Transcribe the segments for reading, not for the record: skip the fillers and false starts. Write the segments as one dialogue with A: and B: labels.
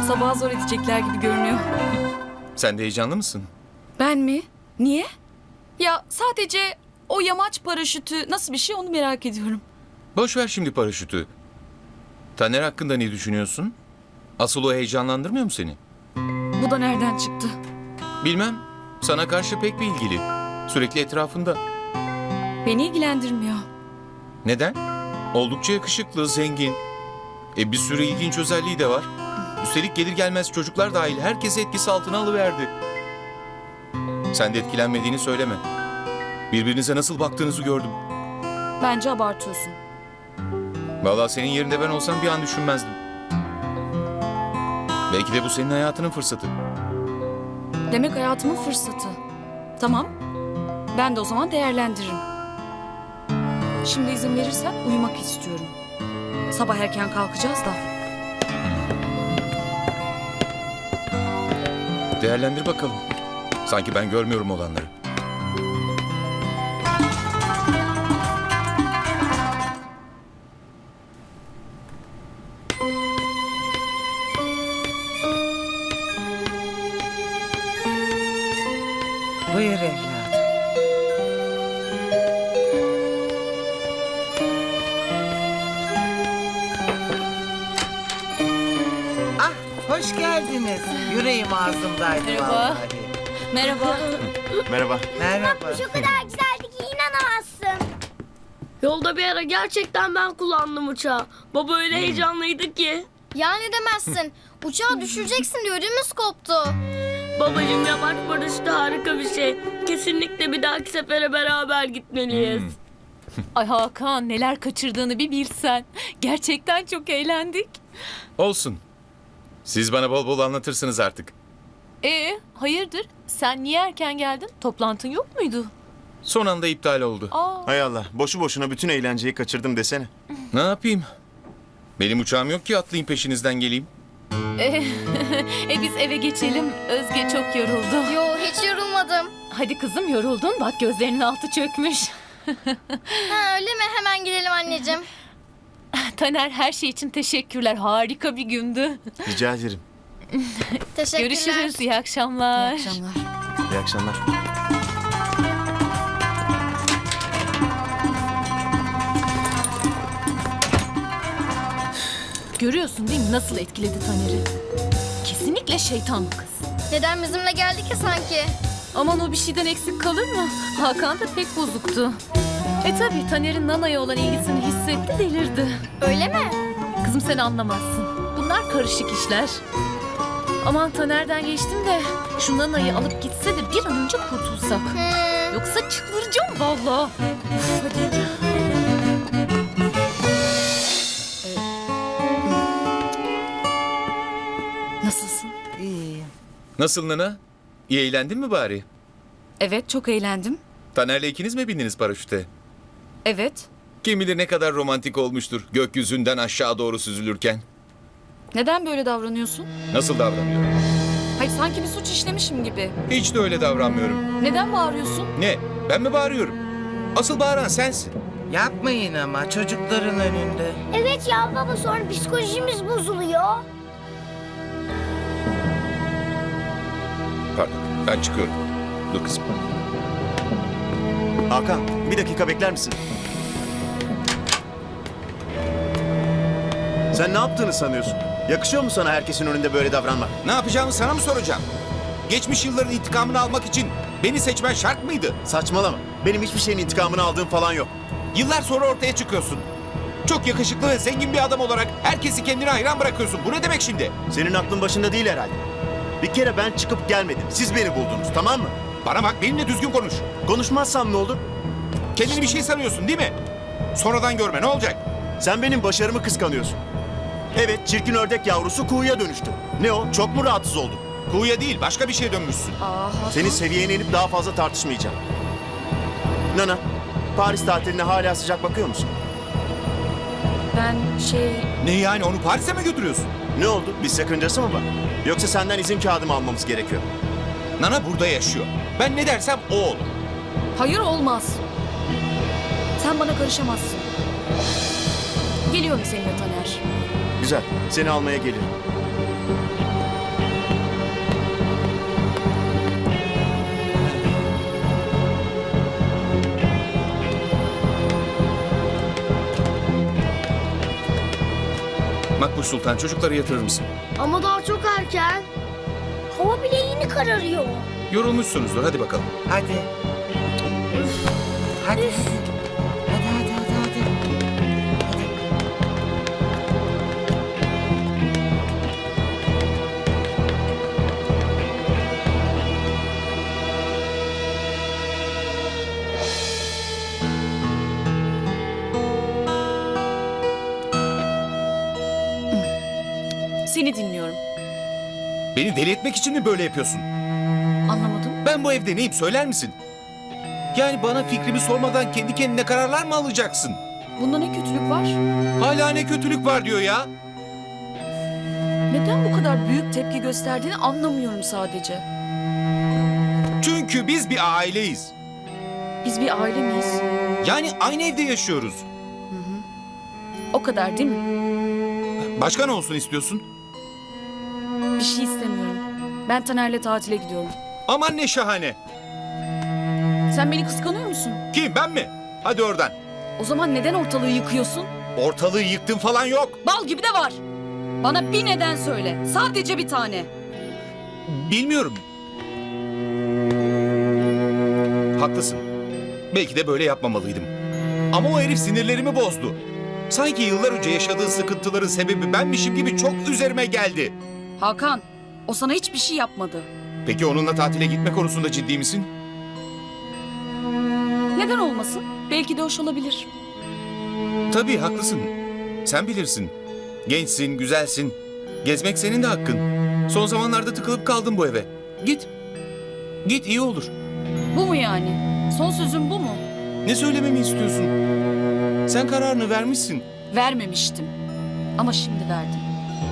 A: Sabah zor edecekler gibi görünüyor.
B: Sen de heyecanlı mısın?
A: Ben mi? Niye? Ya sadece o yamaç paraşütü nasıl bir şey onu merak ediyorum.
B: Boş ver şimdi paraşütü. Taner hakkında ne düşünüyorsun? Asıl o heyecanlandırmıyor mu seni?
A: Bu da nereden çıktı?
B: Bilmem. Sana karşı pek bir ilgili. Sürekli etrafında.
A: Beni ilgilendirmiyor.
B: Neden? Oldukça yakışıklı, zengin. Bir sürü ilginç özelliği de var. Üstelik gelir gelmez çocuklar dahil herkesi etkisi altına alıverdi. Sen de etkilenmediğini söyleme. Birbirinize nasıl baktığınızı gördüm.
A: Bence abartıyorsun.
B: Vallahi senin yerinde ben olsam bir an düşünmezdim. Belki de bu senin hayatının fırsatı.
A: Demek hayatımın fırsatı. Tamam. Ben de o zaman değerlendiririm. Şimdi izin verirsen uyumak istiyorum. Sabah erken kalkacağız da.
B: Değerlendir bakalım. Sanki ben görmüyorum olanları.
C: Buyur evladım. Ah, hoş geldiniz. Yüreğim ağzımdaydı
A: Merhaba.
C: vallahi.
A: Merhaba.
D: Merhaba.
C: Merhaba.
E: O kadar güzeldi ki inanamazsın.
F: Yolda bir ara gerçekten ben kullandım uçağı. Baba öyle heyecanlıydı ki.
E: Ya ne demezsin. Uçağı düşüreceksin diye ödümüz koptu.
F: Babacığım yamaç paraşütü harika bir şey. Kesinlikle bir dahaki sefere beraber gitmeliyiz.
G: Ay Hakan neler kaçırdığını bir bilsen. Gerçekten çok eğlendik.
B: Olsun. Siz bana bol bol anlatırsınız artık.
G: Hayırdır? Sen niye erken geldin? Toplantın yok muydu?
B: Son anda iptal oldu.
G: Aa,
D: Hay Allah. Boşu boşuna bütün eğlenceyi kaçırdım desene.
B: Ne yapayım? Benim uçağım yok ki atlayayım peşinizden geleyim.
G: biz eve geçelim. Özge çok yoruldu.
E: Yo hiç yorulmadım.
G: Hadi kızım yoruldun. Bak gözlerinin altı çökmüş.
E: Ha öyle mi? Hemen gidelim anneciğim.
G: Taner her şey için teşekkürler. Harika bir gündü.
D: Rica ederim.
E: Teşekkürler.
G: Görüşürüz. İyi akşamlar.
A: İyi akşamlar.
D: İyi akşamlar.
G: Görüyorsun değil mi nasıl etkiledi Taner'i? Kesinlikle şeytan bu kız.
E: Neden bizimle geldi ki sanki?
G: Aman o bir şeyden eksik kalır mı? Hakan da pek bozuktu. Tabii Taner'in Nana'ya olan ilgisini hissetti, delirdi.
E: Öyle mi?
G: Kızım sen anlamazsın. Bunlar karışık işler. Aman Taner'den geçtim de şu Nana'yı alıp gitse de bir an önce kurtulsak. Yoksa çıldıracağım vallahi. Uf, hadi.
A: Nasılsın?
C: İyiyim.
B: Nasıl Nana? İyi eğlendin mi bari?
A: Evet çok eğlendim.
B: Taner'le ikiniz mi bindiniz paraşüte?
A: Evet.
B: Kim bilir ne kadar romantik olmuştur gökyüzünden aşağı doğru süzülürken.
A: Neden böyle davranıyorsun?
B: Nasıl davranıyor?
A: Hayır sanki bir suç işlemişim gibi.
B: Hiç de öyle davranmıyorum.
A: Neden bağırıyorsun?
B: Ne? Ben mi bağırıyorum? Asıl bağıran sensin.
C: Yapmayın ama çocukların önünde.
E: Evet ya baba sonra psikolojimiz bozuluyor.
B: Pardon, ben çıkıyorum. Dur kızım.
D: Hakan, bir dakika bekler misin? Sen ne yaptığını sanıyorsun? Yakışıyor mu sana herkesin önünde böyle davranmak?
B: Ne yapacağımı sana mı soracağım? Geçmiş yılların intikamını almak için beni seçmen şart mıydı?
D: Saçmalama. Benim hiçbir şeyin intikamını aldığım falan yok.
B: Yıllar sonra ortaya çıkıyorsun. Çok yakışıklı ve zengin bir adam olarak herkesi kendine hayran bırakıyorsun. Bu ne demek şimdi?
D: Senin aklın başında değil herhalde. Bir kere ben çıkıp gelmedim. Siz beni buldunuz, tamam mı?
B: Bana bak, benimle düzgün konuş.
D: Konuşmazsam ne olur?
B: Kendini bir şey sanıyorsun değil mi? Sonradan görme, ne olacak?
D: Sen benim başarımı kıskanıyorsun. Evet, çirkin ördek yavrusu kuğuya dönüştü. Ne o? Çok mu rahatsız oldun?
B: Kuğuya değil, başka bir şeye dönmüşsün.
D: Senin seviyene inip daha fazla tartışmayacağım. Nana, Paris tatiline hala sıcak bakıyor musun?
A: Ben
B: Ne yani, onu Paris'e mi götürüyorsun?
D: Ne oldu? Bir sakıncası mı var? Yoksa senden izin kağıdımı almamız gerekiyor.
B: Nana burada yaşıyor. Ben ne dersem o olur.
A: Hayır olmaz. Sen bana karışamazsın. Geliyorum seninle Taner.
D: Güzel, seni almaya gelirim.
B: Makbuş Sultan, çocukları yatırır mısın?
E: Ama daha çok erken. Hava bile yeni kararıyor.
B: Yorulmuşsunuzdur, hadi bakalım.
C: Hadi. Hadi. Hadi hadi hadi hadi.
A: Seni dinliyorum.
B: Beni deli etmek için mi böyle yapıyorsun?
A: Anlamadım.
B: Ben bu evde neyim söyler misin? Yani bana fikrimi sormadan kendi kendine kararlar mı alacaksın?
A: Bunda ne kötülük var?
B: Hala ne kötülük var diyor ya.
A: Neden bu kadar büyük tepki gösterdiğini anlamıyorum sadece.
B: Çünkü biz bir aileyiz.
A: Biz bir aile miyiz?
B: Yani aynı evde yaşıyoruz.
A: O kadar değil mi?
B: Başka ne olsun istiyorsun?
A: Bir şey istemiyorum. Ben Taner'le tatile gidiyorum.
B: Aman ne şahane.
A: Sen beni kıskanıyor musun?
B: Kim, ben mi? Hadi oradan.
A: O zaman neden ortalığı yıkıyorsun?
B: Ortalığı yıktım falan yok.
A: Bal gibi de var. Bana bir neden söyle. Sadece bir tane.
B: Bilmiyorum. Haklısın. Belki de böyle yapmamalıydım. Ama o herif sinirlerimi bozdu. Sanki yıllar önce yaşadığı sıkıntıların sebebi benmişim gibi çok üzerime geldi.
A: Hakan, o sana hiçbir şey yapmadı.
B: Peki onunla tatile gitme konusunda ciddi misin?
A: Neden olmasın? Belki de hoş olabilir.
B: Tabii haklısın. Sen bilirsin. Gençsin, güzelsin. Gezmek senin de hakkın. Son zamanlarda tıkılıp kaldım bu eve. Git. Git, iyi olur.
A: Bu mu yani? Son sözün bu mu?
B: Ne söylememi istiyorsun? Sen kararını vermişsin.
A: Vermemiştim. Ama şimdi verdim.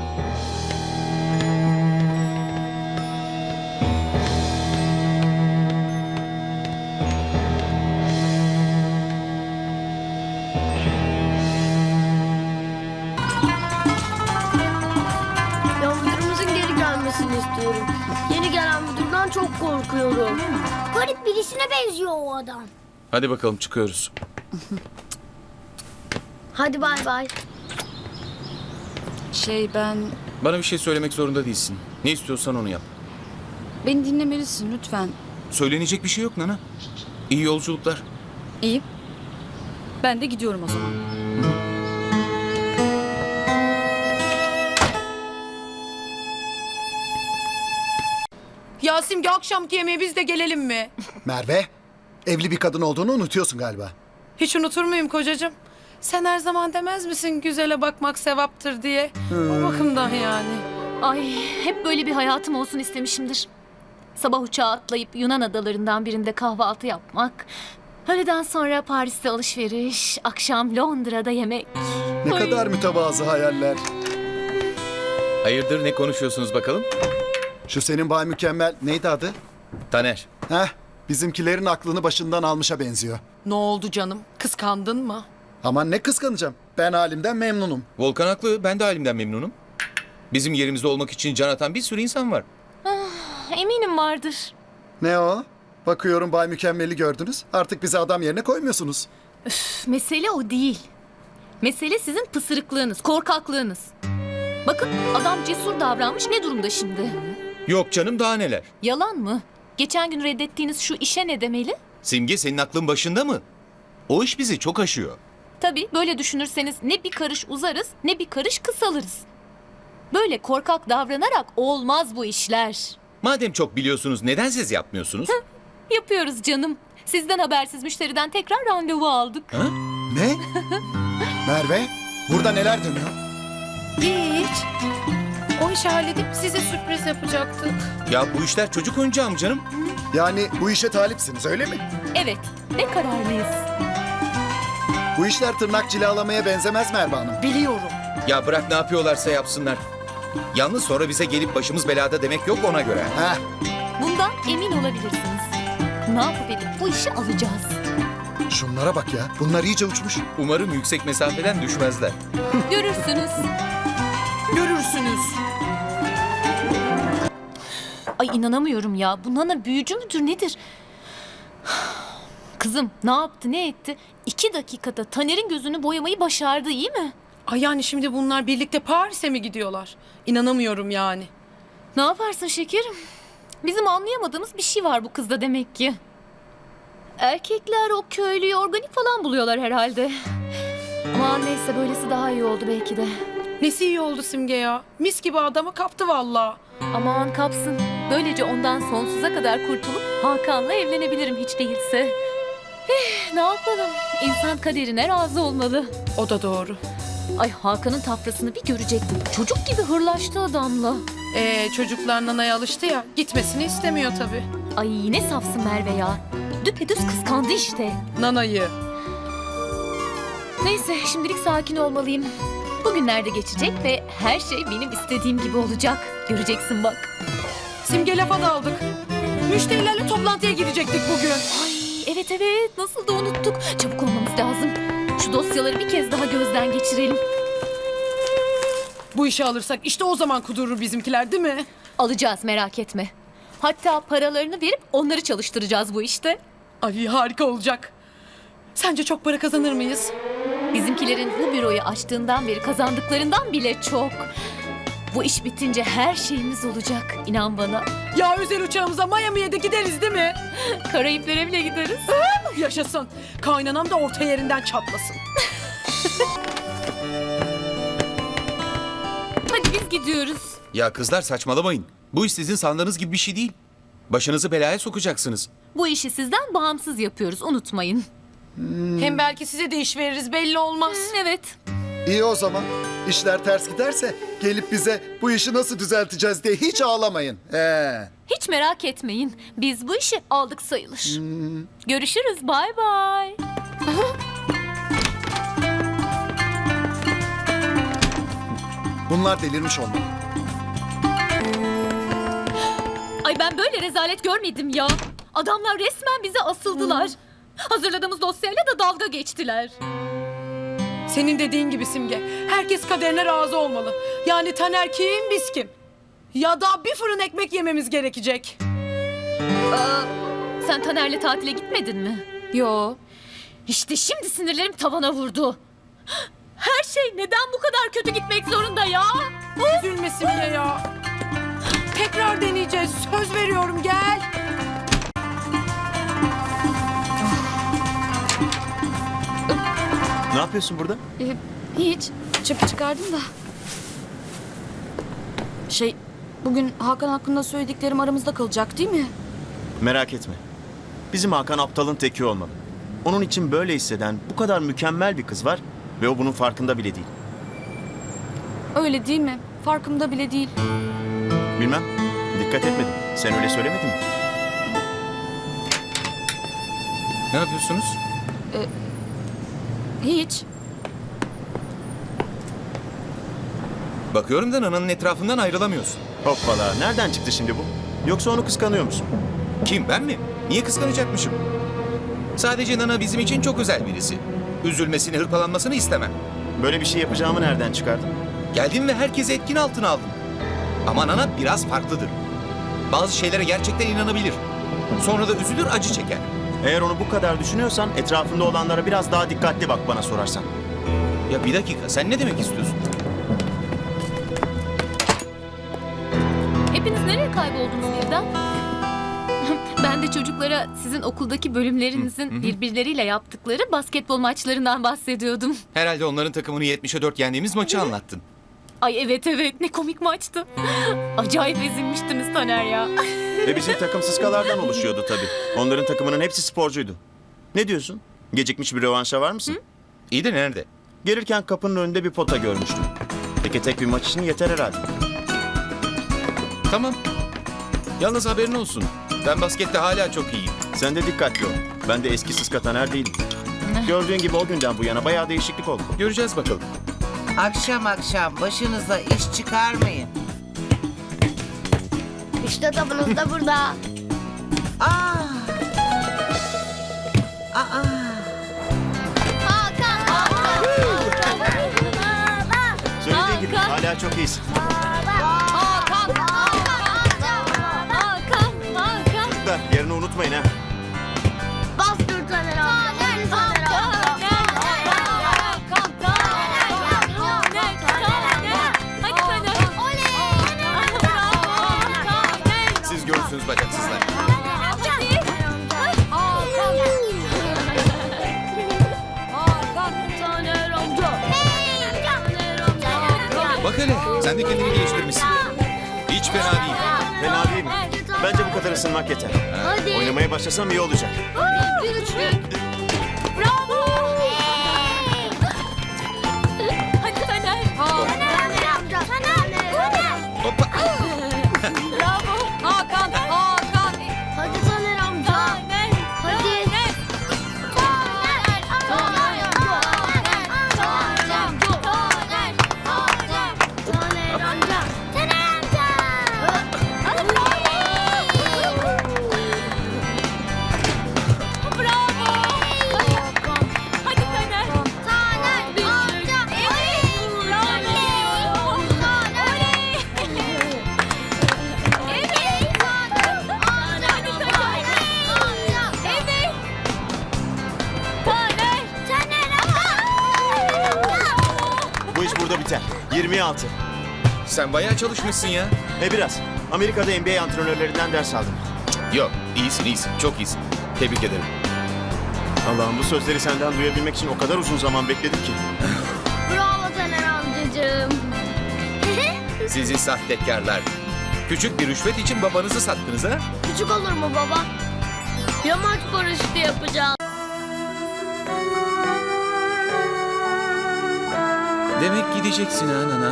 F: Ya müdürümüzün geri gelmesini istiyorum. Yeni gelen müdürden çok korkuyorum.
E: Garip birisine benziyor o adam.
B: Hadi bakalım, çıkıyoruz.
F: Hadi bay bay.
A: Ben...
B: Bana bir şey söylemek zorunda değilsin. Ne istiyorsan onu yap.
A: Beni dinlemelisin lütfen.
B: Söylenecek bir şey yok Nana. İyi yolculuklar.
A: İyi. Ben de gidiyorum o zaman.
H: Ya Simge, akşamki yemeğe biz de gelelim mi?
I: Merve, evli bir kadın olduğunu unutuyorsun galiba.
H: Hiç unutur muyum kocacığım? Sen her zaman demez misin güzele bakmak sevaptır diye? O bakımdan yani.
G: Ay, hep böyle bir hayatım olsun istemişimdir. Sabah uçağa atlayıp Yunan adalarından birinde kahvaltı yapmak. Öğleden sonra Paris'te alışveriş, akşam Londra'da yemek.
I: Ne
G: Ay.
I: kadar mütevazı hayaller.
B: Hayırdır, ne konuşuyorsunuz bakalım?
I: Şu senin Bay Mükemmel neydi adı?
B: Taner.
I: Heh, bizimkilerin aklını başından almışa benziyor.
H: Ne oldu canım? Kıskandın mı?
I: Aman ne kıskanacağım. Ben halimden memnunum.
B: Volkan haklı, ben de halimden memnunum. Bizim yerimizde olmak için can atan bir sürü insan var.
G: Eminim vardır.
I: Ne o? Bakıyorum Bay Mükemmel'i gördünüz. Artık bizi adam yerine koymuyorsunuz.
G: Mesele o değil. Mesele sizin pısırıklığınız, korkaklığınız. Bakın adam cesur davranmış, ne durumda şimdi?
B: Yok canım, daha neler.
G: Yalan mı? Geçen gün reddettiğiniz şu işe ne demeli?
B: Simge, senin aklın başında mı? O iş bizi çok aşıyor.
G: Tabii böyle düşünürseniz ne bir karış uzarız ne bir karış kısalırız. Böyle korkak davranarak olmaz bu işler.
B: Madem çok biliyorsunuz, neden siz yapmıyorsunuz?
G: Yapıyoruz canım. Sizden habersiz müşteriden tekrar randevu aldık.
B: Ha?
I: Ne? Merve, burada neler dönüyor?
H: Hiç. O işi halledip size sürpriz yapacaktık.
B: Ya bu işler çocuk oyuncağı mı canım?
I: Yani bu işe talipsiniz öyle mi?
G: Evet ve kararlıyız.
I: Bu işler tırnak cilalamaya benzemez Merve Hanım.
H: Biliyorum.
B: Ya bırak, ne yapıyorlarsa yapsınlar. Yalnız sonra bize gelip başımız belada demek yok, ona göre.
I: Heh,
G: Bundan emin olabilirsiniz. Ne yapıp edip bu işi alacağız.
I: şunlara bak ya. Bunlar iyice uçmuş.
B: Umarım yüksek mesafeden düşmezler.
G: Görürsünüz.
H: Görürsünüz.
G: Ay inanamıyorum ya. Bu Nana büyücü müdür nedir? Kızım ne yaptı ne etti? 2 dakikada Taner'in gözünü boyamayı başardı, iyi mi?
H: Ay yani şimdi bunlar birlikte Paris'e mi gidiyorlar? İnanamıyorum yani.
G: Ne yaparsın şekerim? Bizim anlayamadığımız bir şey var bu kızda demek ki. Erkekler o köylüyü organik falan buluyorlar herhalde. Aman neyse, böylesi daha iyi oldu belki de.
H: Nesi iyi oldu Simge ya? Mis gibi adamı kaptı vallahi.
G: Aman kapsın. Böylece ondan sonsuza kadar kurtulup Hakan'la evlenebilirim hiç değilse. Ne yapalım? İnsan kaderine razı olmalı.
H: O da doğru.
G: Ay Hakan'ın tafrasını bir görecektim. Çocuk gibi hırlaştı adamla.
H: Çocuklar Nana'ya alıştı ya. Gitmesini istemiyor tabii.
G: Ay ne safsın Merve ya. Düpedüz kıskandı işte.
H: Nana'yı.
G: Neyse şimdilik sakin olmalıyım. Bugünlerde geçecek ve her şey benim istediğim gibi olacak. Göreceksin bak.
H: Simge lafa daldık. Müşterilerle toplantıya girecektik bugün.
G: Ay evet nasıl da unuttuk. Çabuk olmamız lazım. Şu dosyaları bir kez daha gözden geçirelim.
H: Bu işi alırsak işte o zaman kudurur bizimkiler değil mi?
G: Alacağız, merak etme. Hatta paralarını verip onları çalıştıracağız bu işte.
H: Ay harika olacak. Sence çok para kazanır mıyız?
G: Bizimkilerin bu büroyu açtığından beri kazandıklarından bile çok. Bu iş bitince her şeyimiz olacak, inan bana.
H: Ya özel uçağımıza Miami'ye de gideriz değil mi?
G: Karayiplere bile gideriz.
H: Yaşasın. Kaynanam da orta yerinden çatlasın.
G: Hadi biz gidiyoruz.
B: Ya kızlar saçmalamayın. Bu iş sizin sandığınız gibi bir şey değil. Başınızı belaya sokacaksınız.
G: Bu işi sizden bağımsız yapıyoruz, unutmayın.
H: Hem belki size de iş veririz belli olmaz.
G: Evet.
I: İyi o zaman. İşler ters giderse gelip bize bu işi nasıl düzelteceğiz diye hiç ağlamayın.
G: Hiç merak etmeyin. Biz bu işi aldık sayılır. Görüşürüz. Bay bay.
I: Bunlar delirmiş olmalı.
G: Ay ben böyle rezalet görmedim ya. Adamlar resmen bize asıldılar. Hazırladığımız dosyayla da dalga geçtiler.
H: Senin dediğin gibi Simge. Herkes kaderine razı olmalı. Yani Taner kim biz kim? Ya da bir fırın ekmek yememiz gerekecek.
G: Sen Taner'le tatile gitmedin mi?
A: Yo.
G: İşte şimdi sinirlerim tavana vurdu. Her şey neden bu kadar kötü gitmek zorunda ya?
H: Üzülme Simge ya. Tekrar deneyeceğiz. Söz veriyorum gel.
D: Ne yapıyorsun burada?
A: Hiç. Çöpü çıkardım da. Bugün Hakan hakkında söylediklerim aramızda kalacak değil mi?
D: Merak etme. Bizim Hakan aptalın teki olmalı. Onun için böyle hisseden bu kadar mükemmel bir kız var ve o bunun farkında bile değil.
A: Öyle değil mi? Farkımda bile değil.
D: Bilmem. Dikkat etmedim. Sen öyle söylemedin mi?
B: Ne yapıyorsunuz?
A: Hiç.
B: Bakıyorum da Nana'nın etrafından ayrılamıyorsun.
D: Hoppala. Nereden çıktı şimdi bu? Yoksa onu kıskanıyor musun?
B: Kim, ben mi? Niye kıskanacakmışım? Sadece Nana bizim için çok özel birisi. Üzülmesini, hırpalanmasını istemem.
D: Böyle bir şey yapacağımı nereden çıkardın?
B: Geldim ve herkesi etkin altına aldım. Ama Nana biraz farklıdır. Bazı şeylere gerçekten inanabilir. Sonra da üzülür, acı çeker.
D: Eğer onu bu kadar düşünüyorsan etrafında olanlara biraz daha dikkatli bak bana sorarsan.
B: Ya bir dakika, sen ne demek istiyorsun?
G: Hepiniz nereye kayboldunuz birden? Ben de çocuklara sizin okuldaki bölümlerinizin birbirleriyle yaptıkları basketbol maçlarından bahsediyordum.
B: Herhalde onların takımını 70'e 4 yendiğimiz maçı anlattın.
G: Ay evet ne komik maçtı. Acayip ezilmiştiniz Taner ya.
D: Ve bizim takım sıskalardan oluşuyordu tabii. Onların takımının hepsi sporcuydu. Ne diyorsun? Gecikmiş bir rövanşa var mısın?
B: İyi de nerede?
D: Gelirken kapının önünde bir pota görmüştüm. Teke tek bir maç için yeter herhalde.
B: Tamam. Yalnız haberin olsun. Ben baskette hala çok iyiyim.
D: Sen de dikkatli ol. Ben de eski sıska Taner değilim. Gördüğün gibi o günden bu yana bayağı değişiklik oldu.
B: Göreceğiz bakalım.
C: Akşam başınıza iş çıkarmayın.
E: İşte tabanız da burada.
C: Aa!
E: Hakan!
D: Söylediğin gibi hala çok iyisin.
G: Hakan!
D: Çocuklar yerini unutmayın ha.
E: Bastır Taner abi. Taner abi.
B: Bak hele sen de kendini geliştirmişsin. Hiç fena değil.
D: Fena değil mi? Bence bu kadar ısınmak yeter.
E: Hadi.
D: Oynamaya başlasam iyi olacak.
E: Bir üçlük. Bravo.
G: Hadi Taner.
E: Taner amca. Taner.
B: Hoppa.
G: Bravo.
A: Hakan, Hakan.
E: Hadi Taner amca.
G: Taner.
E: Hadi. Taner amca.
G: Hadi Taner.
D: Bu iş burada biter. 26.
B: Sen bayağı çalışmışsın ya.
D: Biraz. Amerika'da NBA antrenörlerinden ders aldım.
B: Yok iyisin çok iyisin. Tebrik ederim.
D: Allah'ım bu sözleri senden duyabilmek için o kadar uzun zaman bekledim ki.
E: Bravo Taner amcacığım.
B: Sizi sahtekarlar. Küçük bir rüşvet için babanızı sattınız ha?
E: Küçük olur mu baba?
F: Yamaç paraşütü yapacağım.
B: Demek gideceksin ha nana.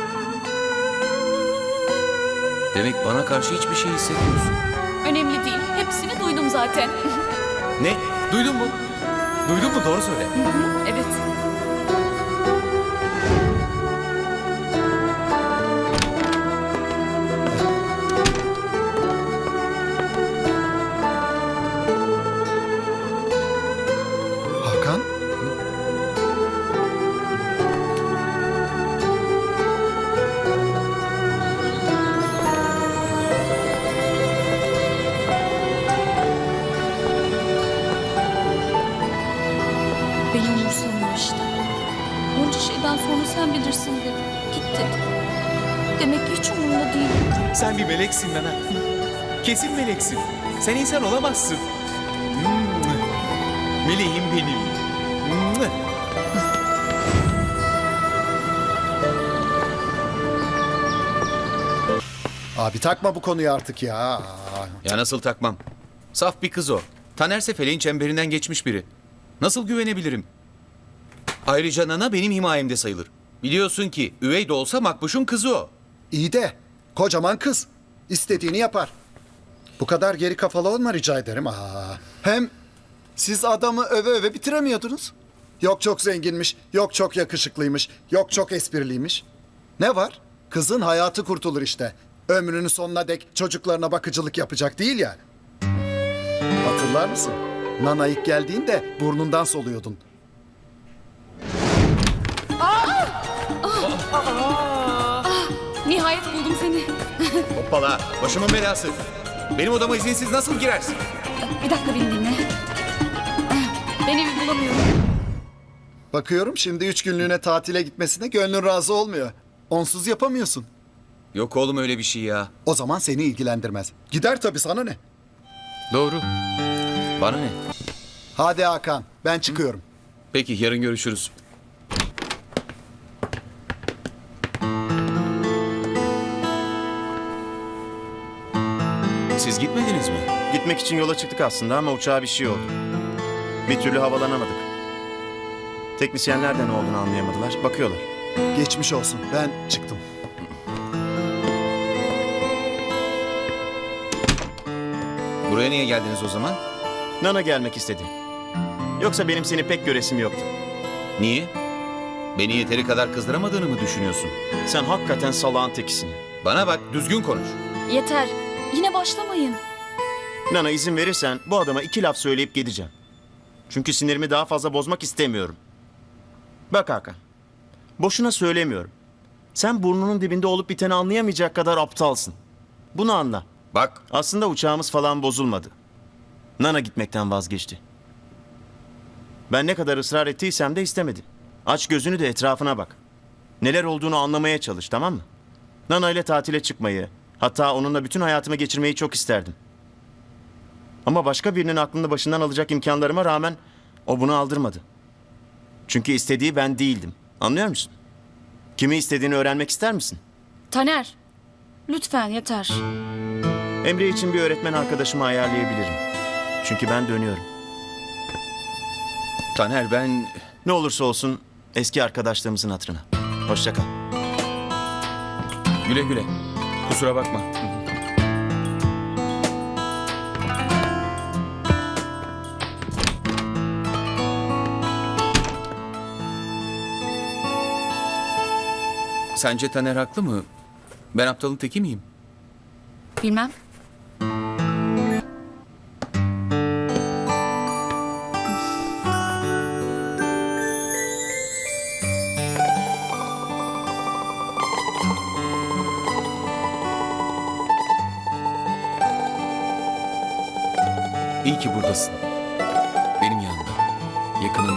B: Demek bana karşı hiçbir şey hissediyorsun.
G: Önemli değil. Hepsini duydum zaten.
B: Ne? Duydun mu? Duydun mu? Doğru söyle.
G: Evet.
I: Hakan?
A: Beni umursamıyor işte. Bunca şeyden sonra sen bilirsin dedi. Git dedi. Demek ki hiç umurumda değil.
B: Sen bir meleksin nana. Kesin meleksin. Sen insan olamazsın. Meleğim benim.
I: Abi takma bu konuyu artık ya.
B: Ya nasıl takmam? Saf bir kız o. Tanerse feleğin çemberinden geçmiş biri. Nasıl güvenebilirim? Ayrıca nana benim himayemde sayılır. Biliyorsun ki üvey de olsa Makbuş'un kızı o.
I: İyi de kocaman kız. İstediğini yapar. Bu kadar geri kafalı olma rica ederim. Hem siz adamı öve öve bitiremiyordunuz. Yok çok zenginmiş, yok çok yakışıklıymış, yok çok espriliymiş. Ne var? Kızın hayatı kurtulur işte. Ömrünün sonuna dek çocuklarına bakıcılık yapacak değil ya. Hatırlar mısın? Nana ilk geldiğinde burnundan soluyordun.
A: Nihayet buldum seni.
B: Hoppala başımın belası. Benim odama izinsiz nasıl girersin?
A: Bir dakika beni dinle. Ben evi bulamıyorum.
I: Bakıyorum şimdi 3 günlüğüne tatile gitmesine gönlün razı olmuyor. Onsuz yapamıyorsun.
B: Yok oğlum öyle bir şey ya.
I: O zaman seni ilgilendirmez. Gider tabii sana ne?
B: Doğru. Bana ne?
I: Hadi Hakan ben çıkıyorum.
B: Peki yarın görüşürüz. Siz gitmediniz mi?
D: Gitmek için yola çıktık aslında ama uçağa bir şey oldu. Bir türlü havalanamadık. Teknisyenler de ne olduğunu anlayamadılar. Bakıyorlar.
I: Geçmiş olsun ben çıktım.
B: Buraya niye geldiniz o zaman?
D: Nana gelmek istedi. Yoksa benim seni pek göresim yoktu.
B: Niye? Beni yeteri kadar kızdıramadığını mı düşünüyorsun?
D: Sen hakikaten salağın tekisin.
B: Bana bak düzgün konuş.
A: Yeter. Yine başlamayın.
D: Nana izin verirsen bu adama 2 laf söyleyip gideceğim. Çünkü sinirimi daha fazla bozmak istemiyorum. Bak Hakan. Boşuna söylemiyorum. Sen burnunun dibinde olup biteni anlayamayacak kadar aptalsın. Bunu anla.
B: Bak
D: Aslında uçağımız falan bozulmadı. Nana gitmekten vazgeçti. Ben ne kadar ısrar ettiysem de istemedi. Aç gözünü de etrafına bak. Neler olduğunu anlamaya çalış, tamam mı? Nana ile tatile çıkmayı, hatta onunla bütün hayatımı geçirmeyi çok isterdim. Ama başka birinin aklını başından alacak imkanlarıma rağmen o bunu aldırmadı. Çünkü istediği ben değildim. Anlıyor musun? Kimi istediğini öğrenmek ister misin?
A: Taner, lütfen yeter.
D: Emre için bir öğretmen arkadaşımı ayarlayabilirim. Çünkü ben dönüyorum.
B: Taner ben...
D: Ne olursa olsun eski arkadaşlığımızın hatırına. Hoşça kal.
B: Güle güle. Kusura bakma. Sence Taner haklı mı? Ben aptalın teki miyim?
A: Bilmem.
B: İyi ki buradasın. Benim yanımda. Yakınımda.